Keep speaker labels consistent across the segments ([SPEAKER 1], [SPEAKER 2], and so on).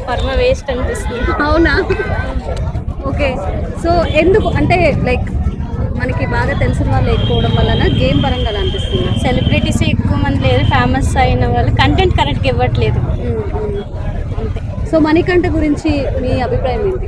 [SPEAKER 1] కర్మ వేస్ట్ అనిపిస్తుంది.
[SPEAKER 2] అవునా? ఓకే. సో ఎందుకు అంటే లైక్ మనకి బాగా తెలిసిన వాళ్ళు లేకపోవడం వలన గేమ్ పరంగా అలా అనిపిస్తుంది.
[SPEAKER 1] సెలబ్రిటీస్ ఎక్కువ మంది లేరు, ఫేమస్ అయిన వాళ్ళు కంటెంట్ కరెక్ట్గా ఇవ్వట్లేదు అంతే.
[SPEAKER 2] సో మణికంఠ గురించి మీ అభిప్రాయం ఏంటి?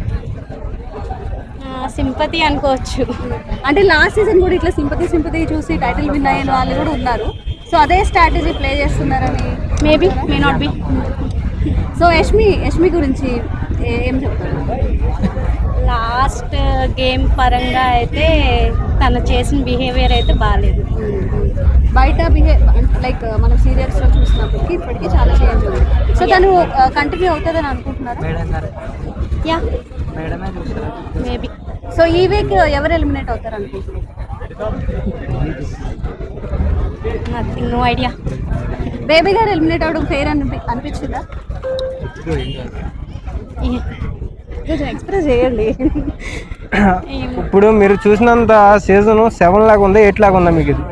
[SPEAKER 1] సింపతి అనుకోవచ్చు.
[SPEAKER 2] అంటే లాస్ట్ సీజన్ కూడా ఇట్లా సింపతి చూసి టైటిల్ విన్ అయిన వాళ్ళు కూడా ఉన్నారు. సో అదే స్ట్రాటజీ ప్లే చేస్తున్నారని
[SPEAKER 1] maybe may not be.
[SPEAKER 2] So Yashmi గురించి ఏం చెప్తారు?
[SPEAKER 1] లాస్ట్ గేమ్ పరంగా అయితే తను చేసిన బిహేవియర్ అయితే బాగాలేదు.
[SPEAKER 2] బయట లైక్ మనం సీరియల్స్లో చూసినప్పటికీ ఇప్పటికీ చాలా చేంజ్ ఉంది. సో తను కంటిన్యూ అవుతుందని అనుకుంటున్నారా?
[SPEAKER 1] Yeah maybe.
[SPEAKER 2] సో ఈ వీక్ ఎవరు ఎలిమినేట్ అవుతారు అనుకుంటున్నారు?
[SPEAKER 1] Nothing, no idea.
[SPEAKER 2] బేబీ గారు ఎలిమినేట్ అవడం ఫెయిర్ అనిపించిందా? కొంచెం ఎక్స్ప్రెస్ చేయండి.
[SPEAKER 3] ఇప్పుడు మీరు చూసినంత సీజన్ 7 లాగా ఉందా 8 లాగా ఉందా మీకు? ఇది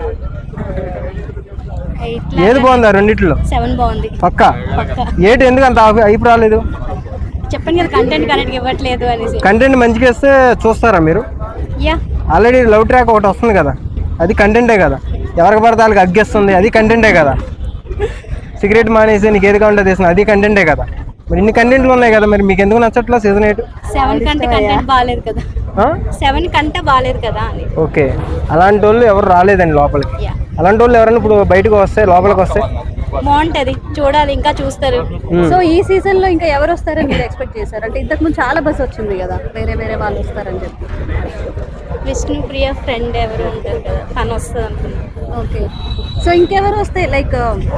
[SPEAKER 3] ఏది బాగుందా రెండిట్లో?
[SPEAKER 1] 7 బాగుంది
[SPEAKER 3] పక్కా. 8 ఎందుకు అంత అయిపు రాలేదు?
[SPEAKER 1] చెప్పండి కదా కంటెంట్ కరెక్ట్గా ఇవ్వట్లేదు అనేసి.
[SPEAKER 3] కంటెంట్ మంచిగా ఇస్తే చూస్తారా మీరు?
[SPEAKER 1] యా.
[SPEAKER 3] ఆల్రెడీ లవ్ ట్రాక్ ఒకటి వస్తుంది కదా, అది కంటెంటే కదా. ఎవరికి పడితే వాళ్ళకి అగ్గేస్తుంది, అది కంటెంటే కదా. సిగరెట్ మానేసి నీకు ఏది కావాలంటే తీస్తుంది, అది కంటెంటే కదా. మరి ఇన్ని కంటెంట్లు ఉన్నాయి కదా, మరి మీకు ఎందుకు నచ్చట్లా సీజన్ 8?
[SPEAKER 1] 7 కంటే కంటెంట్ బాగాలేదు కదా. 7 కంటే బాగాలేదు కదా అని.
[SPEAKER 3] ఓకే, అలాంటి వాళ్ళు ఎవరు రాలేదండి లోపలికి. అలాంటి వాళ్ళు ఎవరైనా ఇప్పుడు బయటకు వస్తే లోపలికి వస్తే
[SPEAKER 1] బాగుంటది, చూడాలి, ఇంకా చూస్తారు.
[SPEAKER 2] సో ఈ సీజన్ లో ఇంకా ఎవరు వస్తారని మీరు ఎక్స్పెక్ట్ చేశారు? అంటే ఇంతకు ముందు చాలా బస్ వచ్చింది కదా, వేరే వాళ్ళు వస్తారని చెప్పి.
[SPEAKER 1] విష్ణుప్రియ ఫ్రెండ్ ఎవరు ఉంటారు కదా, తను వస్తుంది అనుకున్నాను.
[SPEAKER 2] ఓకే. సో ఇంకెవరు వస్తే లైక్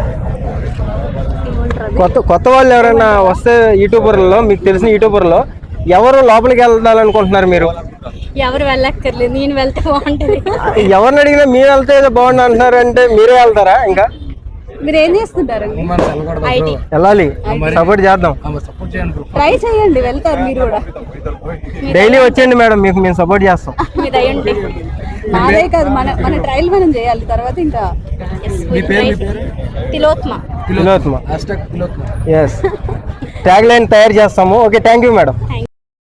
[SPEAKER 3] కొత్త వాళ్ళు ఎవరైనా వస్తే యూట్యూబర్లలో మీకు తెలిసిన యూట్యూబర్లో ఎవరు లోపలికి వెళ్ళాలనుకుంటున్నారు మీరు?
[SPEAKER 1] ఎవరు వెళ్ళక్కర్లేదు, నేను వెళ్తే బాగుంటుంది.
[SPEAKER 3] ఎవరిని అడిగినా మీరు వెళ్తే బాగుండు అంటున్నారు, అంటే మీరే వెళ్తారా? ఇంకా
[SPEAKER 2] మీరు ఏం చేస్తుంటారు?
[SPEAKER 3] వెళ్ళాలి, సపోర్ట్ చేద్దాం,
[SPEAKER 2] ట్రై చేయండి, వెళ్తారు మీరు కూడా.
[SPEAKER 3] డైలీ వచ్చేయండి మేడం, మీకు మేము సపోర్ట్ చేస్తాం.
[SPEAKER 2] నాదే కాదు, మన ట్రయల్ మనం చేయాలి, తర్వాత ఇంకా
[SPEAKER 1] తిలోత్మ.
[SPEAKER 3] ఎస్, ట్యాగ్ లైన్ తయారు చేస్తాము. Okay, thank you madam.